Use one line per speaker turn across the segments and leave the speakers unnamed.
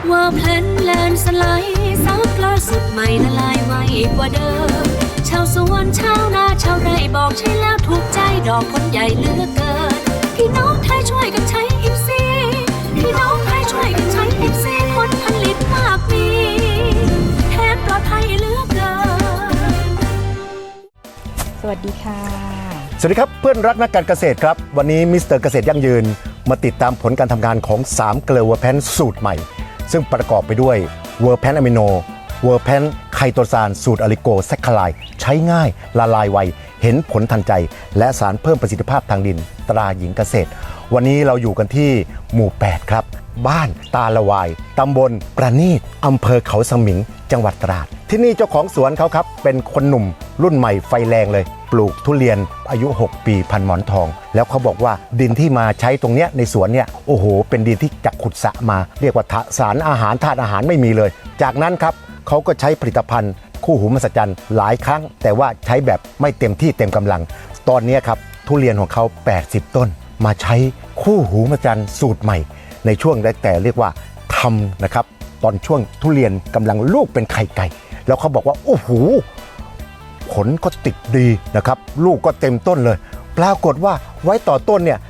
ว่าเพลนแลนสไลด์ซับล่าสุดใหม่ละลายไวกว่าเดิมชาวสวนชาวนาชาวไร่บอกใช่แล้วถูกใจดอกผลใหญ่เหลือเกินพี่น้องไทยช่วยกันใช้อิฟซีพี่น้องไทยช่วยกันใช้อิฟซีผลผลิตมากมีแถมปลอดภัยเหลือเกิน
สวัสดีค่ะ
สวัสดีครับเพื่อนรักนักการเกษตรครับวันนี้มิสเตอร์เกษตรยั่งยืนมาติดตามผลการทำงานของ3เกลือเวอร์แพนสูตรใหม่ซึ่งประกอบไปด้วยเวอร์แพนอะมิโนเวอร์แพนไคโตซานสูตรอะลิโกแซคคาไลใช้ง่ายละลายไวเห็นผลทันใจและสารเพิ่มประสิทธิภาพทางดินตราหญิงเกษตรวันนี้เราอยู่กันที่หมู่8ครับบ้านตาละวายตำบลประณีตอำเภอเขาสมิงจังหวัดตราดที่นี่เจ้าของสวนเขาครับเป็นคนหนุ่มรุ่นใหม่ไฟแรงเลยปลูกทุเรียนอายุ6ปีพันหมอนทองแล้วเขาบอกว่าดินที่มาใช้ตรงเนี้ยในสวนเนี่ยโอ้โหเป็นดินที่จากขุดสระมาเรียกว่าสารอาหารธาตุอาหารไม่มีเลยจากนั้นครับเขาก็ใช้ผลิตภัณฑ์คู่หูมหัศจรรย์หลายครั้งแต่ว่าใช้แบบไม่เต็มที่เต็มกำลังตอนนี้ครับทุเรียนของเขา80ต้นมาใช้คู่หูมหัศจรรย์สูตรใหม่ในช่วงแต่เรียกว่าทำนะครับตอนช่วงทุเรียนกำลังลูกเป็นไข่ไก่แล้วเขาบอกว่าโอ้โหผลก็ติดดีนะครับลูกก็เต็มต้นเลยปรากฏว่าไว้ต่อต้นเนี่ย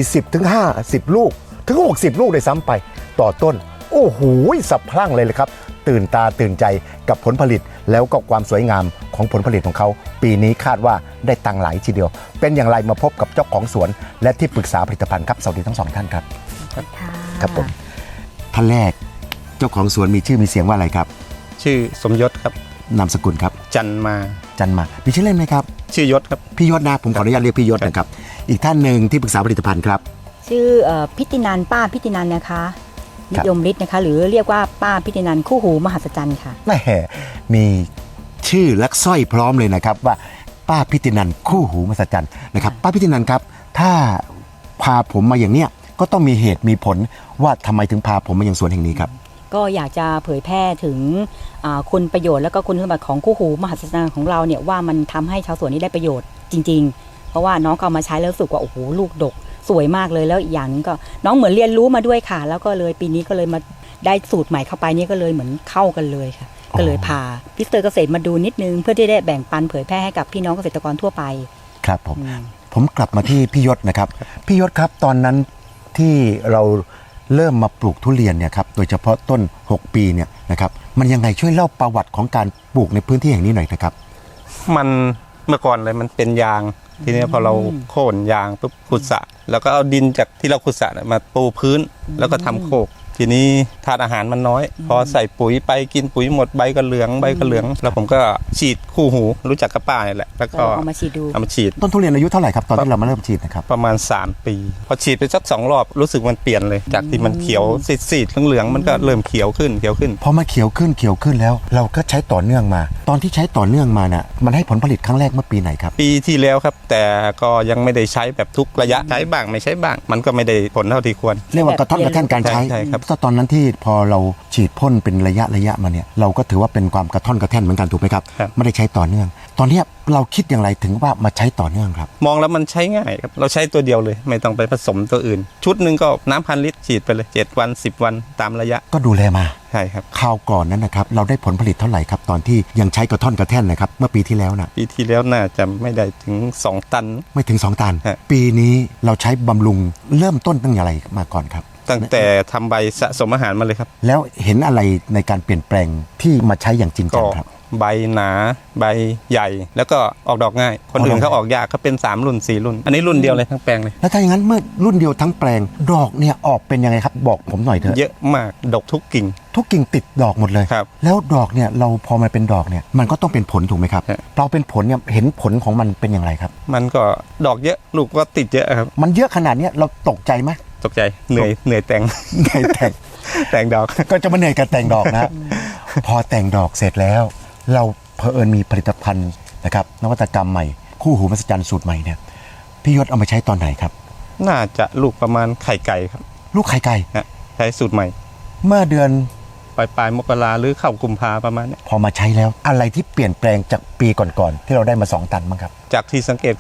40-50 ลูกถึง60 ลูกเลยซ้ำไปต่อต้นโอ้โหสะพรั่งเลยครับตื่นตาตื่นใจกับผลผลิตแล้วก็ความสวยงามของผลผลิตของเขาปีนี้คาดว่าได้ตังค์หลายทีเดียวเป็นอย่างไรมาพบกับเจ้าของสวนและที่ปรึกษาผลิตภัณฑ์ครับสวัสดีทั้งสองท่านครับครับผมท่านแรกเจ้าของสวนมีชื่อมีเสียงว่าอะไรครับ
ชื่อสมยศครับ
นามสกุลครับ
จันมา
มีชื่อเล่นไหมครับ
ชื่อยศครับ
พี่ยศนะผมขออนุญาตเรียกพี่ยศนะครับอีกท่านหนึ่งที่ปรึกษาผลิตภัณฑ์ครับ
ชื่อพิตินันป้าพิตินันนะคะนิยมฤทธิ์นะคะหรือเรียกว่าป้าพิตินันคู่หูมหัศจรรย์ค่ะ
แม่มีชื่อและสร้อยพร้อมเลยนะครับว่าป้าพิตินันคู่หูมหัศจรรย์นะครับป้าพิตินันครับถ้าพาผมมาอย่างเนี้ยก็ต้องมีเหตุมีผลว่าทำไมถึงพาผมมาอย่างสวนแห่งนี้ครับ
ก็อยากจะเผยแพร่ถึงคุณประโยชน์และก็คุณสมบัติของคู่หูมหัศจรรย์ของเราเนี่ยว่ามันทำให้ชาวสวนนี้ได้ประโยชน์จริงๆเพราะว่าน้องเอามาใช้แล้วรู้สึกว่าโอ้โหลูกดกสวยมากเลยแล้วอีกอย่างนึงก็น้องเหมือนเรียนรู้มาด้วยค่ะแล้วก็เลยปีนี้ก็เลยมาได้สูตรใหม่เข้าไปนี่ก็เลยเหมือนเข้ากันเลยค่ะก็เลยพามิสเตอร์เกษตรมาดูนิดนึงเพื่อที่ได้แบ่งปันเผยแพร่ให้กับพี่น้องเกษตรกรทั่วไป
ครับผมกลับมาที่พี่ยศนะครับพี่ยศครับตอนนั้นที่เราเริ่มมาปลูกทุเรียนเนี่ยครับโดยเฉพาะต้น6ปีเนี่ยนะครับมันยังไงช่วยเล่าประวัติของการปลูกในพื้นที่แห่งนี้หน่อยนะครับ
มันเมื่อก่อนเลยมันเป็นยางทีนี้พอเราโค่นยางปุ๊บขุดสระแล้วก็เอาดินจากที่เราขุดสระมาปูพื้นแล้วก็ทำโคกทีนี้ธาตุอาหารมันน้อยพอใส่ปุ๋ยไปกินปุ๋ยหมดใบก็เหลืองแล้วผมก็ฉีดคู่หูรู้จักกับป้าเนี่ยแหละแล้วก็
เอามาฉีด
ต้นทุเรียนอายุเท่าไหร่ครับตอนที่เรามาเริ่มฉีดนะครับ
ประมาณ3ปีพอฉีดไปสัก2รอบรู้สึกมันเปลี่ยนเลยจากที่มันเขียวซีดเหลืองมันก็เริ่มเขียวขึ้น
พอมาเขียวขึ้นแล้วเราก็ใช้ต่อเนื่องมาตอนที่ใช้ต่อเนื่องมาน่ะมันให้ผลผลิตครั้งแรกเมื่อปีไหนครับ
ปีที่แล้วครับแต่ก็ยังไม่ได้ใช้แบบทุกระยะใช้บ้างไม่ใช้บ้างมันก็ไม่ได้ผลเท่าที่ควร
เรียกว่ากระท่อนกระแท่นการใช้
ครับ
ตอนนั้นที่พอเราฉีดพ่นเป็นระยะมาเนี่ยเราก็ถือว่าเป็นความกระท่อนกระแท่นเหมือนกันถูกไหมครับไม่ได้ใช้ต่อเนื่องตอนนี้เราคิดอย่างไรถึงว่ามาใช้ต่อเนื่องครับ
มองแล้วมันใช้ง่ายครับเราใช้ตัวเดียวเลยไม่ต้องไปผสมตัวอื่นชุดหนึ่งก็น้ำ1,000 ลิตรฉีดไปเลย7 วัน10 วันตามระยะ
ก็ดูแลมา
ใช่ครับ
คราวก่อนนั้นนะครับเราได้ผลผลิตเท่าไหร่ครับตอนที่ยังใช้กระท่อนกระแท่นนะครับเมื่อปีที่แล้วนะ
ปีที่แล้วน่าจะไม่ได้ถึง2 ตัน
ไม่ถึง2 ตันปีนี้เราใช้บำรุงเริ่มต้นตั้งอะไรมาก่อนครับ
ตั้งแต่ทำใบสะสมอาหารมาเลยครับ
แล้วเห็นอะไรในการเปลี่ยนแปลงที่มาใช้อย่างจริงจังครับ
ใบหนาใบใหญ่แล้วก็ออกดอกง่ายคนอื่นเขาออกยากเขาเป็น3 รุ่น4 รุ่นอันนี้รุ่นเดียวเลยทั้งแปลงเลย
แล้วถ้าอย่างนั้นเมื่อรุ่นเดียวทั้งแปลงดอกเนี่ยออกเป็นยังไงครับบอกผมหน่อยเถอะ
เยอะมากดกทุกกิ่ง
ติดดอกหมดเลย
ครับ
แล้วดอกเนี่ยเราพอมันเป็นดอกเนี่ยมันก็ต้องเป็นผลถูกไหมครับเราเป็นผลเนี่ยเห็นผลของมันเป็นอย่างไรครับ
มันก็ดอกเยอะลูกก็ติดเยอะครับ
มันเยอะขนาดนี้เราตกใจไหม
ตกใจเหนื่อยแต่งดอก
ก็จะมาเหนื่อยกับแต่งดอกนะพอแต่งดอกเสร็จแล้วเราเผอิญมีผลิตภัณฑ์นะครับนวัตกรรมใหม่คู่หูมหัศจรรย์สูตรใหม่เนี่ยพี่ยศเอามาใช้ตอนไหนครับ
น่าจะลูกประมาณไข่ไก่ครับ
ลูกไข่ไก่
ใช้สูตรใหม่
เมื่อเดือน
ปลายมกราหรือเข้ากุมภาประมาณนี้
พอมาใช้แล้วอะไรที่เปลี่ยนแปลงจากปีก่อนๆที่เราได้มา2 ตันบ้างครับ
จากที่สังเกตคือ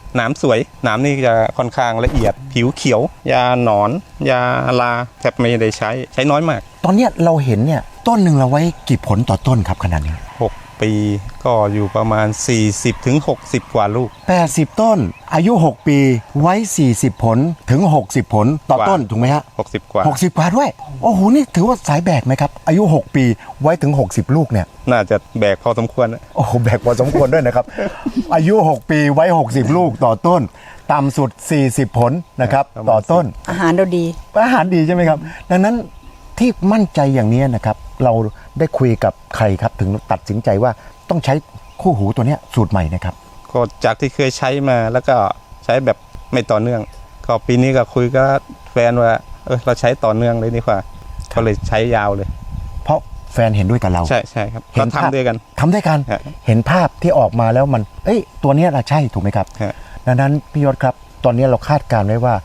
หนามสวยหนามนี่จะค่อนข้างละเอียดผิวเขียวยาหนอนยาลาแทบไม่ได้ใช้น้อยมาก
ตอนเนี้ยเราเห็นเนี่ยต้นหนึ่งเราไว้กี่ผลต่อต้นครับขนาดนี้
6 ปีก็อยู่ประมาณ 40-60 กว่าลูก
80 ต้นอายุ 6 ปีไว้ 40 ผลถึง 60 ผลต่อต้นถูกไหมฮะ
60 กว่า
60 กว่าด้วยโอ้โหนี่ถือว่าสายแบกไหมครับอายุ 6 ปีไว้ถึง 60 ลูกเนี่ย
น่าจะแบกพอสมควรนะ
โอ้โหแบกพอสมควรด้วยนะครับ อายุ 6 ปีไว้ 60 ลูกต่อต้นต่ำสุด 40 ผลนะครับต่อต้น
อาหารเราดี
อาหารดีใช่ไหมครับ ดังนั้นที่มั่นใจอย่างนี้นะครับ เราได้คุยกับใครครับถึงตัดสินใจว่าต้องใช้คู่หูตัวเนี้ยสูตรใหม่นะครับ
ก็จากที่เคยใช้มาแล้วก็ใช้แบบไม่ต่อเนื่องก็ปีนี้ก็คุยกับแฟนว่าเราใช้ต่อเนื่องเลยดีกว่าก็เลยใช้ยาวเลย
เพราะแฟนเห็นด้วยกับเรา
ใช่ครับ
เห็
เรา
นภาพ
ทำด้วยกัน
ทำด้วยกัน
ฮะ
เห็นภาพที่ออกมาแล้วมันตัวเนี้ยเราใช่ถูกไหมครับ
ฮะ
ดังนั้นพี่ยศครับตอนนี้เราคาดการณ์ไว้ว่า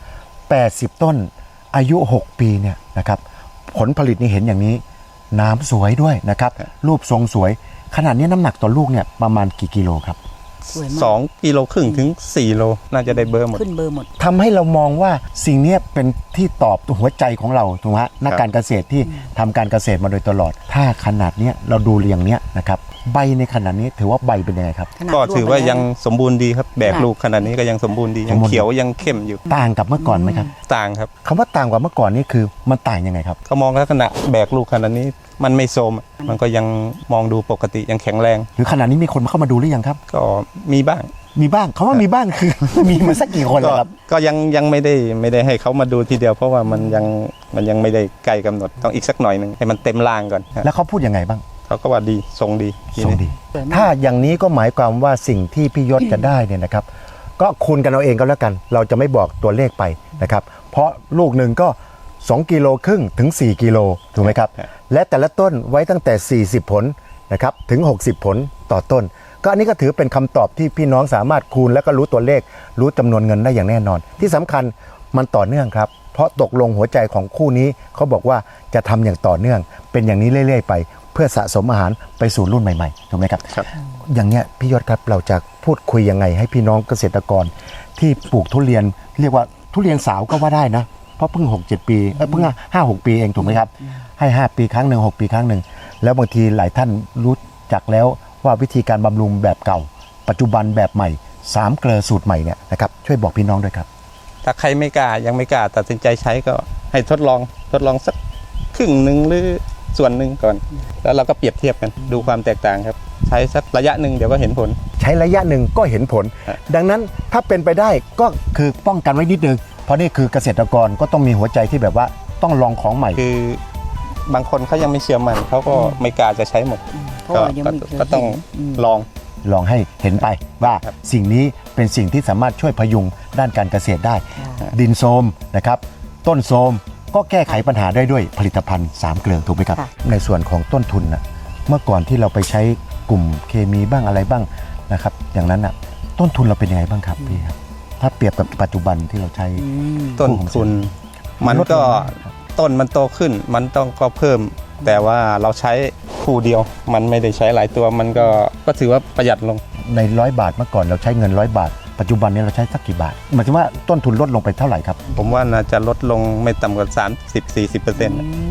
80 ต้นอายุ 6 ปีเนี่ยนะครับผลผลิตนี่เห็นอย่างนี้น้ำสวยด้วยนะครับรูปทรงสวยขนาดนี้น้ำหนักต่อลูกเนี่ยประมาณกี่กิโลครับ
สวยมาก
2.5 กิโลถึง 4 โลน่าจะได้เบอร์หมด
ขึ้นเบอร์หมด
ทำให้เรามองว่าสิ่งเนี้ยเป็นที่ตอบหัวใจของเราถูกไหมฮะนักการเกษตรที่ทำการเกษตรมาโดยตลอด ถ้าขนาดเนี้ยเราดูเรียงเนี้ยนะครับใบในขนาดนี้ถือว่าใบเป็นยังไงครับ
ขนาด
ก็ถือว่า
ร่วงไปแล้ว
ยังสมบูรณ์ดีครับแบก
ค่ะ
ลูกขนาดนี้ก็ยังสมบูรณ์ดี
ส
ยั
ม
ง
บูรณ์
เขียวยังเข้มอยู่
ต่างกับเมื่อก่อนไหมครับ
ต่างครับ
คำว่าต่างกว่าเมื่อก่อนนี่คือมันต่างยังไงครับ
ก็มองลักษณะแบกลูกขนาดนี้มันไม่โทรมมันก็ยังมองดูปกติยังแข็งแรง
หรือขนาดนี้มีคนเข้ามาดูหรือยังครับ
ก็มีบ้าง
มีบ้างคำว่ามีบ้างคือ มีมาสักกี่คนแล้วครับ
ก็ยังไม่ได้ให้เขามาดูทีเดียวเพราะว่ามันยังไม่ได้ใกล้กำหนดต้องอีกสักหน่อยหนึ่งให้มันเต็มร่างก่อน
แล้วเขาพูดยังไงบ้าง
เขาก็ว่าดีทรงดีที
ทรง
นี้
ดี
สวยมาก
ถ้าอย่างนี้ก็หมายความว่าสิ่งที่พี่ยศจะได้เนี่ยนะครับ ก็คูณกันเอาเองก็แล้วกัน เราจะไม่บอกตัวเลขไปนะครับ เพราะลูกหนึ่งก็2.5 กิโลถึง 4 กิโลถูกไหมครับ และแต่ละต้นไว้ตั้งแต่ 40 ผลนะครับถึง 60 ผลต่อต้น ก็อันนี้ก็ถือเป็นคำตอบที่พี่น้องสามารถคูณแล้วก็รู้ตัวเลข รู้จำนวนเงินได้อย่างแน่นอน ที่สำคัญมันต่อเนื่องครับ เพราะตกลงหัวใจของคู่นี้เขาบอกว่าจะทำอย่างต่อเนื่อง เป็นอย่างนี้เรื่อยๆไป เพื่อสะสมอาหารไปสู่รุ่นใหม่ๆถูกไหมครับ
ครับ
อย่างเนี้ยพี่ยศครับเราจะพูดคุยยังไงให้พี่น้องเกษตรกรที่ปลูกทุเรียนเรียกว่าทุเรียนสาวก็ว่าได้นะ เพราะเพิ่ง 6-7 ปีเพิ่ง 5-6 ปีเองถูกไหมครับให้5 ปีครั้งหนึ่ง6 ปีครั้งหนึ่งแล้วบางทีหลายท่านรู้จักแล้วว่าวิธีการบำรุงแบบเก่า ปัจจุบันแบบใหม่3 เกลือสูตรใหม่เนี่ยนะครับช่วยบอกพี่น้องด้วยครับ
ถ้าใครไม่กล้ายังไม่กล้าตัดสินใจใช้ก็ให้ทดลองสักครึ่งหนึ่งหรือส่วนหนึ่งก่อน แล้วเราก็เปรียบเทียบกันดูความแตกต่างครับใช้สักระยะหนึ่งเดี๋ยวก็เห็นผล
ใช้ระยะหนึ่งก็เห็นผล
ครับ
ดังนั้นถ้าเป็นไปได้ก็คือป้องกันไว้นิดนึงเพราะนี่คือเกษตรกรก็ต้องมีหัวใจที่แบบว่าต้องลองของใหม่
คือบางคนเขายังไม่เชื่อมันเขาก็ไม่กล้าจะใช้หมด
เพราะว่ายังไม่เคย
ก็ต้อง
เห็น
ลอง
ลองให้เห็นไปว่า
ครับ
สิ่งนี้เป็นสิ่งที่สามารถช่วยพยุงด้านการเกษตรได้ ดินโทรมนะครับต้นโทรมก็แก้ไขปัญหาได้ด้วยผลิตภัณฑ์3 เกลือถูกไหมครับ
ค่ะ
ในส่วนของต้นทุนนะเมื่อก่อนที่เราไปใช้กลุ่มเคมีบ้างอะไรบ้างนะครับอย่างนั้นนะต้นทุนเราเป็นยังไงบ้างครับพี่ครับถ้าเปรียบกับปัจจุบันที่เราใช้
ต้นทุนมันก็ต้นมันโตขึ้นมันต้องก็เพิ่ม แต่ว่าเราใช้คู่เดียว มันไม่ได้ใช้หลายตัวมันก็ถือว่าประหยัดลง
ใน100 บาทเมื่อก่อนเราใช้เงิน100 บาท ปัจจุบันนี้เราใช้สักกี่บาทหมายถึงว่าต้นทุนลดลงไปเท่าไหร่ครับ
ผมว่าน่าจะลดลงไม่ต่ำกว่า 30-40%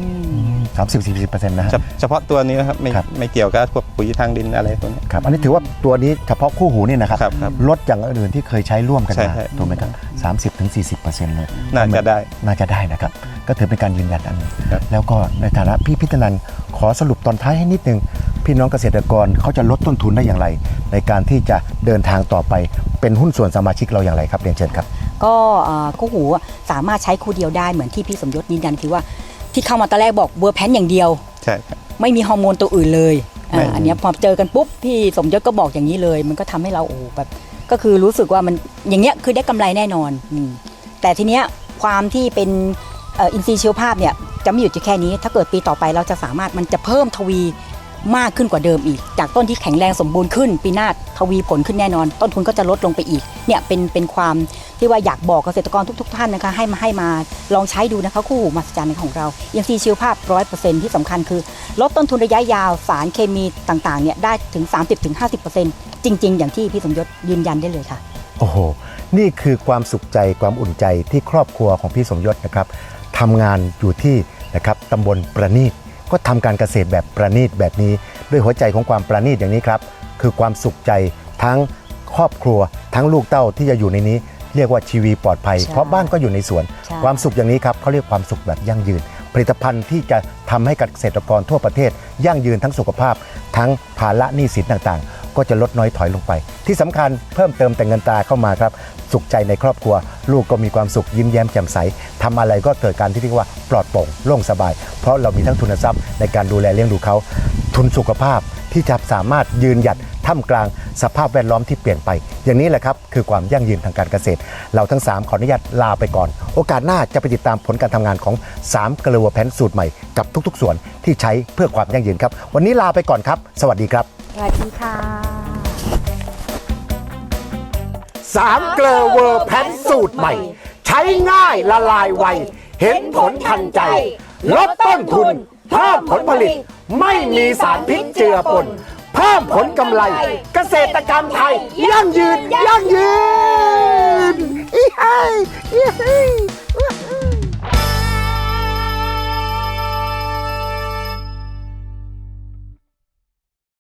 30-40%นะฮะ
เฉพาะตัวนี้นะครับ
ครับ
ไม่เกี่ยวกับพวกปุ๋ยทางดินอะไรพวกนี้
ครับอันนี้ถือว่าตัวนี้เฉพาะคู่หูนี่นะครับ
ครับ
ลดอย่างอื่นที่เคยใช้ร่วมกัน
ใช่
มา
ใช่
ถูกไหมครับ30-40%เลย
น่าจะได้
น่าจะได้นะครับ ก็ถือเป็นการยืนยันอันหนึง
ครับ
แล้วก็ในฐานะพี่พิจนันท์ขอสรุปตอนท้ายให้นิดนึง พี่น้องเกษตรกรเขาจะลดต้นทุนได้อย่างไร ในการที่จะเดินทางต่อไปเป็นหุ้นส่วนสมาชิกเราอย่างไรครับเรียนเชิญครับ
ก็คู่หูสามารถใช้คู่เดียวได้เหมือนที่พี่สมยศยืนยันคือว่าที่เข้ามาตอนแรกบอกเวอร์แพนอย่างเดียว
ใช่ครับ
ไม่มีฮอร์โมนตัวอื่นเลย
ไม่
อันเนี้ยพอเจอกันปุ๊บพี่สมยศก็บอกอย่างนี้เลย มันก็ทำให้เราโอ้โหแบบก็คือรู้สึกว่ามันอย่างเงี้ยคือได้กำไรแน่นอนแต่ทีเนี้ยความที่เป็นอินทรีย์ชีวภาพเนี่ยจะไม่หยุดอยู่แค่นี้ ถ้าเกิดปีต่อไปเราจะสามารถมันจะเพิ่มทวีมากขึ้นกว่าเดิมอีก จากต้นที่แข็งแรงสมบูรณ์ขึ้นปีหน้าทวีผลขึ้นแน่นอน ต้นทุนก็จะลดลงไปอีกเนี่ยเป็นความที่ว่าอยากบอกเกษตรกรทุกท่านนะคะให้มาลองใช้ดูนะคะคู่หูมหัศจรรย์ของเราอินทรีย์ชีวภาพ 100% ที่สำคัญคือลดต้นทุนระยะยาวสารเคมีต่างๆเนี่ยได้ถึง 30-50% จริง ๆ อย่างที่พี่สมยศยืนยันได้เลยค่ะ
โอ้โหนี่คือความสุขใจความอุ่นใจที่ครอบครัวของพี่สมยศนะครับทำงานอยู่ที่นะครับตำบลประณีตก็ทำการเกษตรแบบประณีตแบบนี้ด้วยหัวใจของความประณีตอย่างนี้ครับคือความสุขใจทั้งครอบครัวทั้งลูกเต้าที่จะอยู่ในนี้เรียกว่าชีวิตปลอดภัย
ใช่
เพราะบ้านก็อยู่ในสวน
ใช่
ความสุขอย่างนี้ครับเขาเรียกความสุขแบบยั่งยืน ผลิตภัณฑ์ที่จะทำให้เกษตรกรทั่วประเทศยั่งยืนทั้งสุขภาพ ทั้งภาระหนี้สินต่างๆ ก็จะลดน้อยถอยลงไป ที่สำคัญเพิ่มเติมแต่เงินตราเข้ามาครับสุขใจในครอบครัว ลูกก็มีความสุขยิ้มแย้มแจ่มใสทำอะไรก็เกิดการที่เรียกว่าปลอดโปร่งโล่งสบาย เพราะเรามีทั้งทุนทรัพย์ในการดูแลเลี้ยงดูเขาทุนสุขภาพที่จะสามารถยืนหยัดท่ามกลางสภาพแวดล้อมที่เปลี่ยนไป อย่างนี้แหละครับคือความยั่งยืนทางการเกษตร เราทั้ง3ขออนุญาตลาไปก่อน โอกาสหน้าจะไปติดตามผลการทำงานของ3เกลือแพนสูตรใหม่กับทุกๆ ส่วนที่ใช้เพื่อความยั่งยืนครับวันนี้ลาไปก่อนครับสวัสดีครับ
สวัสดีค่ะ
3 เกลอเวอร์แพนสูตรใหม่ ใช้ง่ายละลายไว เห็นผลทันใจ ลดต้นทุน เพิ่มผลผลิต ไม่มีสารพิษเจือปน เพิ่มผลกำไร เกษตรกรรมไทยยั่งยืนยั่งยืน